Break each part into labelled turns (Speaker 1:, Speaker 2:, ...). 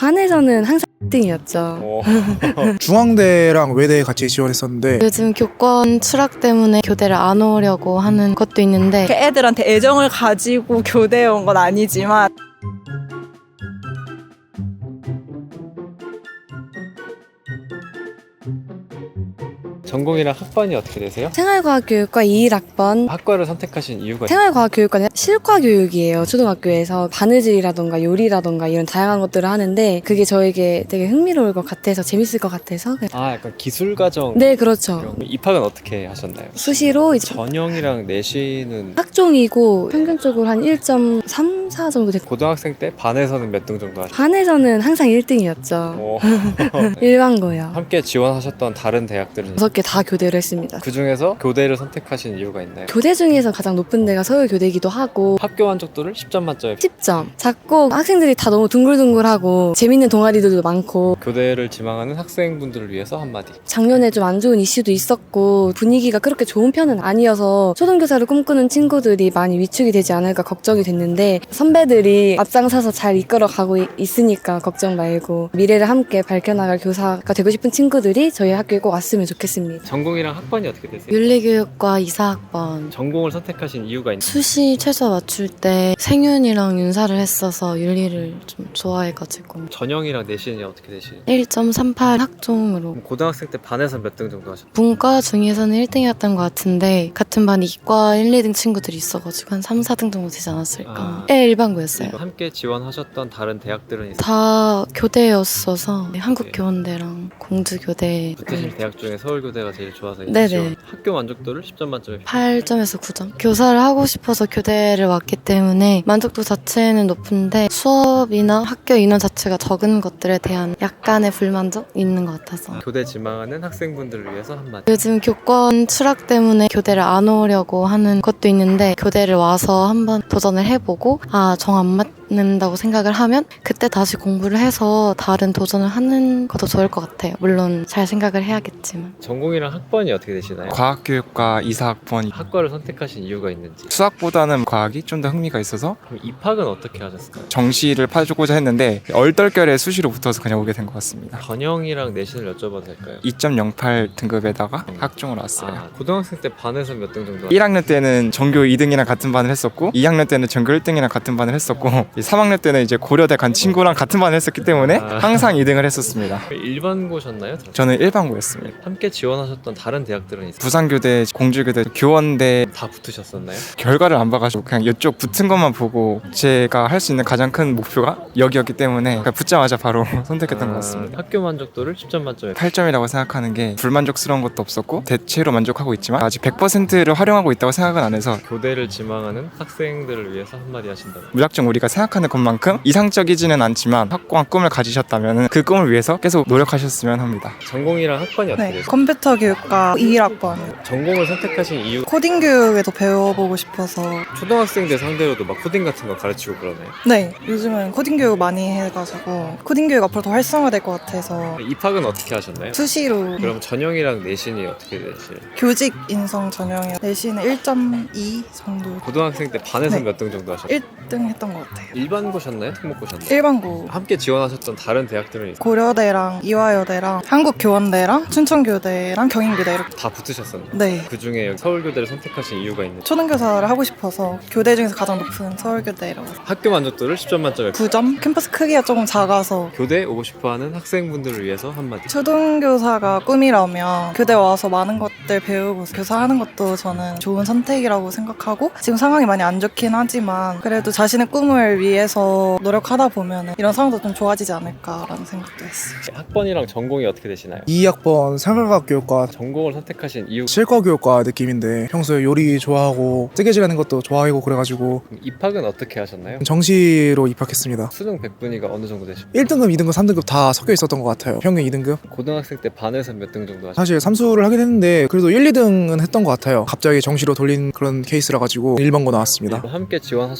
Speaker 1: 반에서는 항상 1등이었죠.
Speaker 2: 중앙대랑 외대 같이 지원했었는데
Speaker 3: 요즘 교권 추락 때문에 교대를 안 오려고 하는 것도 있는데
Speaker 4: 애들한테 애정을 가지고 교대에 온 건 아니지만
Speaker 5: 전공이랑 학번이 어떻게 되세요?
Speaker 1: 생활과학교육과 21학번.
Speaker 5: 학과를 선택하신 이유가
Speaker 1: 생활과학교육과는 실과교육이에요. 초등학교에서 바느질이라던가 요리라던가 이런 다양한 것들을 하는데 그게 저에게 되게 흥미로울 것 같아서 재밌을 것 같아서.
Speaker 5: 약간 기술과정.
Speaker 1: 네, 그렇죠.
Speaker 5: 그럼 입학은 어떻게 하셨나요?
Speaker 1: 수시로 이제
Speaker 5: 전형이랑 내신은
Speaker 1: 학종이고 평균적으로 한 1.34 정도 됐고
Speaker 5: 고등학생 때 반에서는 몇 등 정도 하셨나요?
Speaker 1: 반에서는 항상 1등이었죠. 일반고요.
Speaker 5: 함께 지원하셨던 다른 대학들은
Speaker 1: 6개 다 교대를 했습니다.
Speaker 5: 그 중에서 교대를 선택하신 이유가 있나요?
Speaker 1: 교대 중에서 가장 높은 데가 서울교대이기도 하고
Speaker 5: 학교 만족도를 10점 만점에
Speaker 1: 10점. 작고 학생들이 다 너무 둥글둥글하고 재밌는 동아리들도 많고
Speaker 5: 교대를 지망하는 학생분들을 위해서 한마디.
Speaker 1: 작년에 좀 안 좋은 이슈도 있었고 분위기가 그렇게 좋은 편은 아니어서 초등교사를 꿈꾸는 친구들이 많이 위축이 되지 않을까 걱정이 됐는데 선배들이 앞장서서 잘 이끌어가고 있으니까 걱정 말고 미래를 함께 밝혀나갈 교사가 되고 싶은 친구들이 저희 학교에 꼭 왔으면 좋겠습니다.
Speaker 5: 전공이랑 학번이 어떻게 되세요?
Speaker 3: 윤리교육과 이사학번.
Speaker 5: 전공을 선택하신 이유가 있나요?
Speaker 3: 수시 최저 맞출 때 생윤이랑 윤사를 했어서 윤리를 좀 좋아해가지고
Speaker 5: 전형이랑 내신이 어떻게 되시나요?
Speaker 3: 1.38 학종으로.
Speaker 5: 그럼 고등학생 때 반에서 몇 등 정도 하셨나요?
Speaker 3: 문과 중에서는 1등이었던 것 같은데 같은 반 이과 1, 2등 친구들이 있어가지고 한 3, 4등 정도 되지 않았을까. 네, 일반고였어요.
Speaker 5: 함께 지원하셨던 다른 대학들은 있어요?
Speaker 3: 다 교대였어서 한국교원대랑 공주교대.
Speaker 5: 붙으신 대학 중에 서울교대가 제일 좋아서
Speaker 3: 네네.
Speaker 5: 지원. 학교 만족도를 10점 만점에
Speaker 3: 8점에서 9점. 교사를 하고 싶어서 교대를 왔기 때문에 만족도 자체는 높은데 수업이나 학교 인원 자체가 적은 것들에 대한 약간의 불만족이 있는 것 같아서.
Speaker 5: 교대 지망하는 학생분들을 위해서 한마디.
Speaker 3: 요즘 교권 추락 때문에 교대를 안 오려고 하는 것도 있는데 교대를 와서 한번 도전을 해보고 정 안 맞는다고 생각을 하면 그때 다시 공부를 해서 다른 도전을 하는 것도 좋을 것 같아요. 물론 잘 생각을 해야겠지만.
Speaker 5: 전공이랑 학번이 어떻게 되시나요?
Speaker 6: 과학교육과 이사학번.
Speaker 5: 학과를 선택하신 이유가 있는지.
Speaker 6: 수학보다는 과학이 좀 더 흥미가 있어서
Speaker 5: 그럼 입학은 어떻게 하셨을까요?
Speaker 6: 정시를 파주고자 했는데 얼떨결에 수시로 붙어서 그냥 오게 된 것 같습니다.
Speaker 5: 전형이랑 내신을 여쭤봐도 될까요?
Speaker 6: 2.08 등급에다가 학종으로 왔어요.
Speaker 5: 고등학생 때 반에서 몇 등 정도?
Speaker 6: 1학년 때는 전교 2등이랑 같은 반을 했었고 2학년 때는 전교 1등이랑 같은 반을 했었고 3학년 때는 이제 고려대 간 친구랑 같은 반을 했었기 때문에 항상 2등을 했었습니다.
Speaker 5: 일반고셨나요?
Speaker 6: 저는 일반고였습니다.
Speaker 5: 함께 지원하셨던 다른 대학들은 있어요?
Speaker 6: 부산교대, 공주교대, 교원대.
Speaker 5: 다 붙으셨었나요?
Speaker 6: 결과를 안 봐가지고 그냥 이쪽 붙은 것만 보고 제가 할 수 있는 가장 큰 목표가 여기였기 때문에 그냥 붙자마자 바로 선택했던 것 같습니다.
Speaker 5: 학교 만족도를 10점 만점에
Speaker 6: 8점이라고 생각하는 게 불만족스러운 것도 없었고 대체로 만족하고 있지만 아직 100%를 활용하고 있다고 생각은 안 해서
Speaker 5: 교대를 지망하는 학생들을 위해서 한마디 하신다면?
Speaker 6: 무작정 우리가 생각하는 것만큼 이상적이지는 않지만 확고한 꿈을 가지셨다면 그 꿈을 위해서 계속 노력하셨으면 합니다.
Speaker 5: 전공이랑 학번이 어떻게
Speaker 4: 네,
Speaker 5: 되세요?
Speaker 4: 컴퓨터 교육과 21학번.
Speaker 5: 전공을 선택하신 이유?
Speaker 4: 코딩 교육에도 배워보고 싶어서.
Speaker 5: 초등학생들 상대로도 막 코딩 같은 거 가르치고 그러나요?
Speaker 4: 네, 요즘은 코딩 교육 많이 해가지고 코딩 교육 앞으로 더 활성화될 것 같아서
Speaker 5: 입학은 어떻게 하셨나요?
Speaker 4: 수시로.
Speaker 5: 그럼 전형이랑 내신이 어떻게 되세요?
Speaker 4: 교직 인성 전형이요. 내신은 1.2 정도.
Speaker 5: 고등학생 때 반에서
Speaker 4: 네.
Speaker 5: 몇 등 정도 하셨나요?
Speaker 4: 1등 했던 것 같아요.
Speaker 5: 일반고셨나요? 특목고셨나요?
Speaker 4: 일반고.
Speaker 5: 함께 지원하셨던 다른 대학들은 있어요?
Speaker 4: 고려대랑 이화여대랑 한국교원대랑 춘천교대랑 경인교대 이렇게.
Speaker 5: 다 붙으셨었나요?
Speaker 4: 네.
Speaker 5: 그 중에 서울교대를 선택하신 이유가 있는지.
Speaker 4: 초등교사를 하고 싶어서 교대 중에서 가장 높은 서울교대라고.
Speaker 5: 학교 만족도를 10점 만점에
Speaker 4: 9점? 캠퍼스 크기가 조금 작아서.
Speaker 5: 교대 오고 싶어하는 학생분들을 위해서 한마디.
Speaker 4: 초등교사가 꿈이라면 교대 와서 많은 것들 배우고 교사하는 것도 저는 좋은 선택이라고 생각하고 지금 상황이 많이 안 좋긴 하지만 그래도 자신의 꿈을 위해서 노력하다 보면 이런 상황도 좀 좋아지지 않을까라는 생각도 했어요.
Speaker 5: 학번이랑 전공이 어떻게 되시나요?
Speaker 2: 2학번 생활과학교육과
Speaker 5: 전공을 선택하신 이유.
Speaker 2: 실과교육과 느낌인데 평소에 요리 좋아하고 뜨개질하는 것도 좋아하고 그래가지고
Speaker 5: 입학은 어떻게 하셨나요?
Speaker 2: 정시로 입학했습니다.
Speaker 5: 수능 백분위가 어느 정도 되십니까?
Speaker 2: 1등급, 2등급, 3등급 다 섞여 있었던 것 같아요. 평균 2등급.
Speaker 5: 고등학생 때 반에서 몇 등 정도 하셨나요?
Speaker 2: 사실 삼수를 하긴 했는데 그래도 1, 2등은 했던 것 같아요. 갑자기 정시로 돌린 그런 케이스라 가지고 1번고 나왔습니다.
Speaker 5: 함께 지원하셨던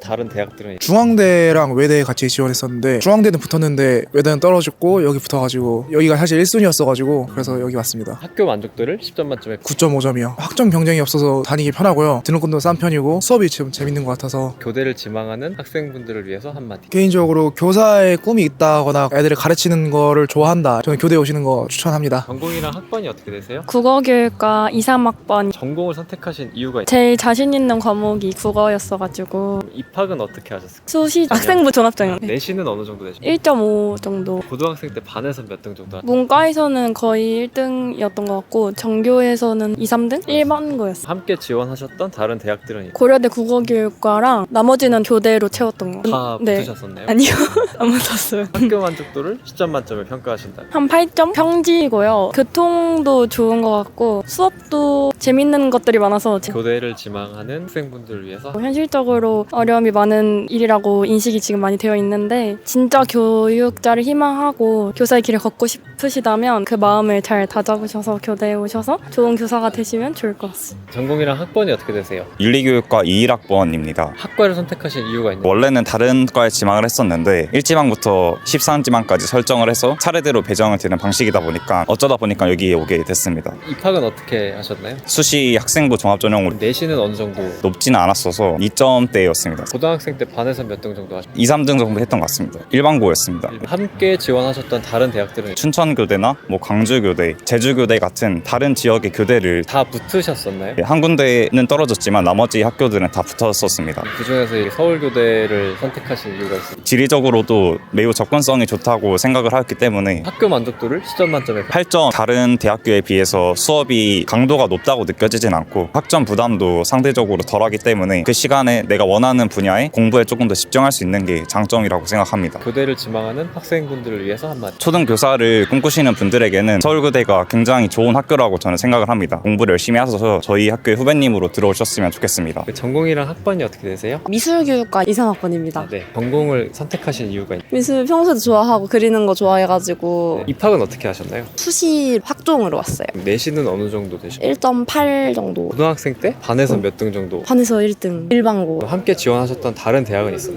Speaker 5: 다른 대학들은
Speaker 2: 중앙대랑 외대 같이 지원했었는데 중앙대는 붙었는데 외대는 떨어졌고 여기 붙어가지고 여기가 사실 1순위였어가지고 그래서 여기 왔습니다.
Speaker 5: 학교 만족도를 10점 만점에
Speaker 2: 9.5점이요. 학점 경쟁이 없어서 다니기 편하고요. 등록금도 싼 편이고 수업이 좀 재밌는 것 같아서
Speaker 5: 교대를 지망하는 학생분들을 위해서 한마디.
Speaker 2: 개인적으로 교사의 꿈이 있다거나 애들을 가르치는 거를 좋아한다. 저는 교대에 오시는 거 추천합니다.
Speaker 5: 전공이랑 학번이 어떻게 되세요?
Speaker 7: 국어교육과 2, 3학번
Speaker 5: 전공을 선택하신 이유가
Speaker 7: 제일 자신 있는 과목이 국어였어가지고
Speaker 5: 입학은 어떻게 하셨을까요?
Speaker 7: 수시 학생부 종합전형
Speaker 5: 내신은 어느 정도 되시나요?
Speaker 7: 1.5 정도.
Speaker 5: 고등학생 때 반에서 몇 등 정도 하셨나요?
Speaker 7: 문과에서는 거의 1등이었던 것 같고 전교에서는 2, 3등? 1반 거였어.
Speaker 5: 함께 지원하셨던 다른 대학들은
Speaker 7: 고려대 국어교육과랑 나머지는 교대로 채웠던 거.
Speaker 5: 다
Speaker 7: 네.
Speaker 5: 붙으셨었나요?
Speaker 7: 아니요. 안 붙었어요.
Speaker 5: 학교 만족도를 10점 만점에 평가하신다.
Speaker 7: 한 8점? 평지이고요. 교통도 좋은 것 같고 수업도 재밌는 것들이 많아서
Speaker 5: 교대를 지망하는 학생분들을 위해서
Speaker 7: 현실적으로 어려움이 많은 일이라고 인식이 지금 많이 되어 있는데 진짜 교육자를 희망하고 교사의 길을 걷고 싶으시다면 그 마음을 잘 다잡으셔서 교대에 오셔서 좋은 교사가 되시면 좋을 것 같습니다.
Speaker 5: 전공이랑 학번이 어떻게 되세요?
Speaker 8: 윤리교육과 21학번입니다.
Speaker 5: 학과를 선택하신 이유가 있나요?
Speaker 8: 원래는 다른 과에 지망을 했었는데 1지망부터 13지망까지 설정을 해서 차례대로 배정을 되는 방식이다 보니까 어쩌다 보니까 여기에 오게 됐습니다.
Speaker 5: 입학은 어떻게 하셨나요?
Speaker 8: 수시 학생부 종합전형으로
Speaker 5: 내신은 어느 정도?
Speaker 8: 높지는 않았어서 2점대였습니다.
Speaker 5: 고등학생 때 반에서 몇 등 정도 하셨나요?
Speaker 8: 2, 3등 정도 했던 것 같습니다. 일반고였습니다.
Speaker 5: 함께 지원하셨던 다른 대학들은
Speaker 8: 춘천교대나 강주교대, 제주교대 같은 다른 지역의 교대를
Speaker 5: 다 붙으셨었나요?
Speaker 8: 한 군데는 떨어졌지만 나머지 학교들은 다 붙었었습니다.
Speaker 5: 그중에서 이 서울교대를 선택하신 이유가 있습니다.
Speaker 8: 지리적으로도 매우 접근성이 좋다고 생각을 하였기 때문에
Speaker 5: 학교 만족도를 10점 만점에
Speaker 8: 8점 다른 대학교에 비해서 수업이 강도가 높다고 느껴지진 않고 학점 부담도 상대적으로 덜하기 때문에 그 시간에 내가 원하는 분야에 공부에 조금 더 집중할 수 있는 게 장점이라고 생각합니다.
Speaker 5: 교대를 지망하는 학생분들을 위해서 한마디.
Speaker 8: 초등교사를 꿈꾸시는 분들에게는 서울교대가 굉장히 좋은 학교라고 저는 생각을 합니다. 공부를 열심히 하셔서 저희 학교의 후배님으로 들어오셨으면 좋겠습니다.
Speaker 5: 전공이랑 학번이 어떻게 되세요?
Speaker 1: 미술교육과 2, 3학번입니다.
Speaker 5: 네. 전공을 선택하신 이유가 있나요?
Speaker 1: 미술 평소에도 좋아하고 그리는 거 좋아해가지고
Speaker 5: 입학은 어떻게 하셨나요?
Speaker 1: 수시 학종으로 왔어요.
Speaker 5: 내신은 어느 정도 되셨나요?
Speaker 1: 1.8 정도.
Speaker 5: 고등학생 때 반에서 몇 등 정도?
Speaker 1: 반에서 1등. 일반고.
Speaker 5: 함께 지원하셨던 다른 대학은 있어요?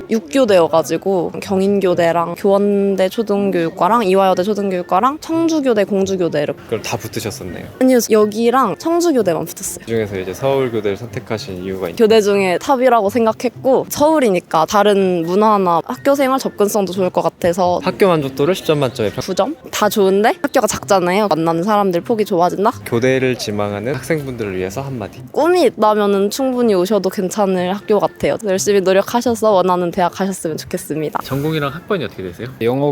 Speaker 1: 6교대여가지고 경인교대랑 교원대 초등교육과랑 이화여대 초등교육과랑 청주교대 공주교대를.
Speaker 5: 그걸 다 붙으셨었네요.
Speaker 1: 아니요, 여기랑 청주교대만 붙었어요.
Speaker 5: 그중에서 이제 서울교대를 선택하신 이유가 있나요?
Speaker 1: 교대 중에 탑이라고 생각했고 서울이니까 다른 문화나 학교생활 접근성도 좋을 것 같아서
Speaker 5: 학교 만족도를 10점 만점에
Speaker 1: 9점? 다 좋은데 학교가 작잖아요. 만나는 사람들 폭이 좁아진다?
Speaker 5: 교대를 지망하는 학생분들을 위해서 한마디.
Speaker 1: 꿈이 있다면 충분히 오셔도 괜찮을 학교 같아요. 열심히 노력하셔서 원하는 대학 가셨으면 좋겠습니다.
Speaker 5: 전공이랑 학번이 어떻게 되세요?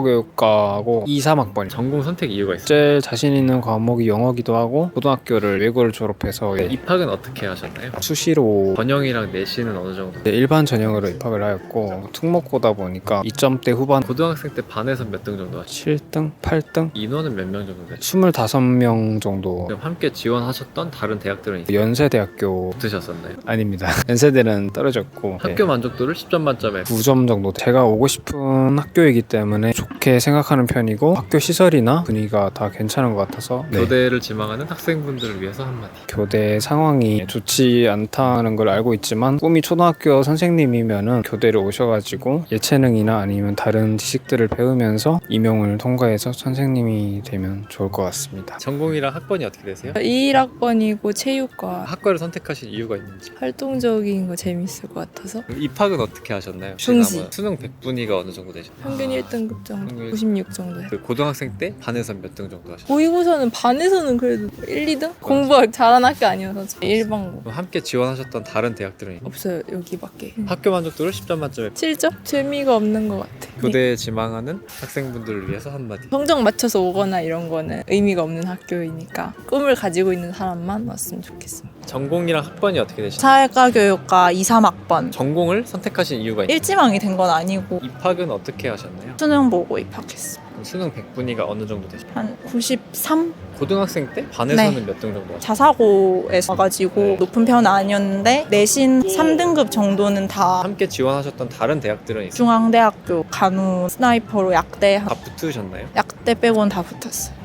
Speaker 9: 영어교육과하고 2, 3학번.
Speaker 5: 전공 선택 이유가 있어요?
Speaker 9: 제일 자신 있는 과목이 영어기도 하고 고등학교를 외고를 졸업해서
Speaker 5: 입학은 어떻게 하셨나요?
Speaker 9: 수시로
Speaker 5: 전형이랑 내신은 어느 정도?
Speaker 9: 일반 전형으로 입학을 하였고 특목고다 보니까 2점대 후반
Speaker 5: 고등학생 때 반에서 몇 등 정도 하셨나요?
Speaker 9: 7등, 8등,
Speaker 5: 인원은 몇 명 정도 되셨나요?
Speaker 9: 25명 정도.
Speaker 5: 그럼 함께 지원하셨던 다른 대학들은 있어요?
Speaker 9: 연세대학교
Speaker 5: 붙으셨었나요?
Speaker 9: 아닙니다. 연세대는 떨어졌고
Speaker 5: 학교 만족도를 10점 만점에
Speaker 9: 9점 정도. 제가 오고 싶은 학교이기 때문에 좋게 생각하는 편이고 학교 시설이나 분위기가 다 괜찮은 것 같아서
Speaker 5: 교대를 지망하는 학생분들을 위해서 한마디.
Speaker 9: 교대 상황이 좋지 않다는 걸 알고 있지만 꿈이 초등학교 선생님이면은 교대를 오셔가지고 예체능이나 아니면 다른 지식들을 배우면서 임용을 통과해서 선생님이 되면 좋을 것 같습니다.
Speaker 5: 전공이랑 학번이 어떻게 되세요?
Speaker 10: 21학번이고 체육과.
Speaker 5: 학과를 선택하신 이유가 있는지.
Speaker 10: 활동적인 거 재밌을 것 같아서.
Speaker 5: 그럼 입학은 어떻게 하셨나요?
Speaker 10: 중시.
Speaker 5: 지난번 수능 100분위가 어느 정도 되셨나요?
Speaker 10: 평균 1등급 정도,
Speaker 5: 평균
Speaker 10: 96 정도 해요.
Speaker 5: 그 고등학생 때 반에서 몇 등 정도 하셨나요?
Speaker 10: 모의고사는 반에서는 그래도 1, 2등? 공부 잘하는 학교 아니어서 일반고.
Speaker 5: 그럼 함께 지원하셨던 다른 대학들은 있나요?
Speaker 10: 없어요, 여기밖에.
Speaker 5: 학교 만족도를 10점 만점에
Speaker 10: 7점? 재미가 없는 것 같아.
Speaker 5: 교대에 지망하는 학생분들을 위해서 한마디.
Speaker 10: 성적 맞춰서 오거나 이런 거는 의미가 없는 학교이니까 꿈을 가지고 있는 사람만 왔으면 좋겠습니다.
Speaker 5: 전공이랑 학번이 어떻게 되시나요?
Speaker 4: 사회과 교육과 2, 3학번.
Speaker 5: 전공을 선택하신 이유가 있나요?
Speaker 4: 일지망이 된 건 아니고
Speaker 5: 입학은 어떻게 하셨나요?
Speaker 4: 수능 보고 입학했어.
Speaker 5: 그럼 수능 100분위가 어느 정도 되시나요?
Speaker 4: 한 93?
Speaker 5: 고등학생 때 반에서는
Speaker 4: 네.
Speaker 5: 몇 등 정도 하셨나요?
Speaker 4: 자사고에서 와가지고
Speaker 5: 네.
Speaker 4: 높은 편은 아니었는데 내신 3등급 정도는 다
Speaker 5: 함께 지원하셨던 다른 대학들은 있어요?
Speaker 4: 중앙대학교 간호 스나이퍼로 약대
Speaker 5: 다 붙으셨나요?
Speaker 4: 약대 빼고는 다 붙었어요.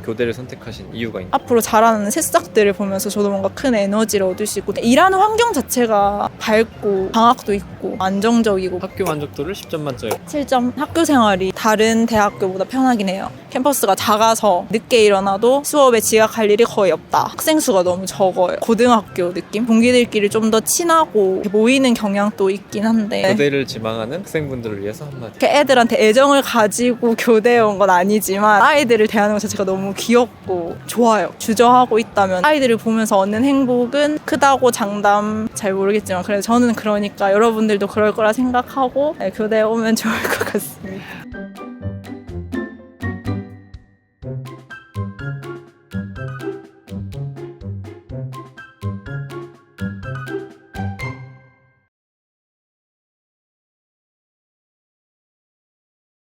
Speaker 5: 교대를 선택하신 이유가 있나요?
Speaker 10: 앞으로 자라는 새싹들을 보면서 저도 뭔가 큰 에너지를 얻을 수 있고 일하는 환경 자체가 밝고 방학도 있고 안정적이고
Speaker 5: 학교 만족도를 10점 만점에
Speaker 10: 7점. 학교 생활이 다른 대학교보다 편하긴 해요. 캠퍼스가 작아서 늦게 일어나도 수업에 지각할 일이 거의 없다. 학생 수가 너무 적어요. 고등학교 느낌? 동기들끼리 좀 더 친하고 모이는 경향도 있긴 한데
Speaker 5: 교대를 지망하는 학생분들을 위해서 한마디.
Speaker 10: 이렇게 애들한테 애정을 가지고 교대에 온 건 아니지만 아이들을 대하는 것 자체가 너무 귀엽고 좋아요. 주저하고 있다면 아이들을 보면서 얻는 행복은 크다고 장담 잘 모르겠지만 그래도 저는 그러니까 여러분들도 그럴 거라 생각하고 교대에 오면 좋을 것 같습니다.